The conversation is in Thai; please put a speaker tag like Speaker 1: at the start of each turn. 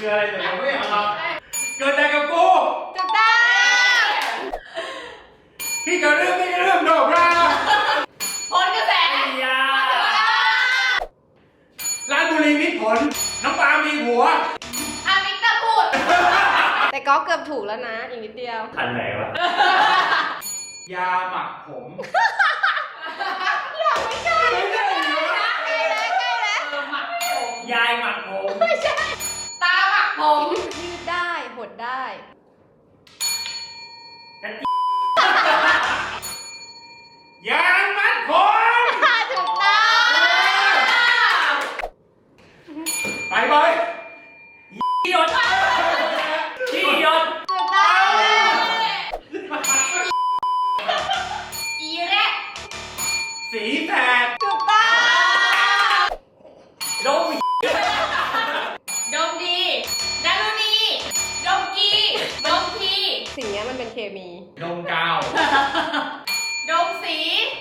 Speaker 1: คืออะไรแต่ยังไม่เอาเกิดอะไรกับกู
Speaker 2: ถูกต้อง
Speaker 1: พี่ก็เรื่องโนบรา
Speaker 2: ผลกระแส
Speaker 1: ยาราชบุรีมิตรผลน้องปามีผัว
Speaker 2: อามิกตาพูดแต่ก็เกือบถูกแล้วนะอีกนิดเดียว
Speaker 1: อันไหนวะยาหมักผม
Speaker 2: ไม่ใช่ใกล้แล้วหมักผม
Speaker 1: ยายหมักผม
Speaker 2: ไม่ใช่ตาหมักผมยืดได้หดได้
Speaker 1: ยางมัดผม
Speaker 2: ถูกต้อง
Speaker 1: ไปบอยหยดที่หยด
Speaker 2: ถูกต้องอีแรก
Speaker 1: สีแตก
Speaker 2: ถูกต้อง
Speaker 1: ดม
Speaker 2: ดมดีดารุณีดมกีดมทีสิ่งนี้มันเป็นเคมี
Speaker 1: ดมกาว
Speaker 2: ดมสี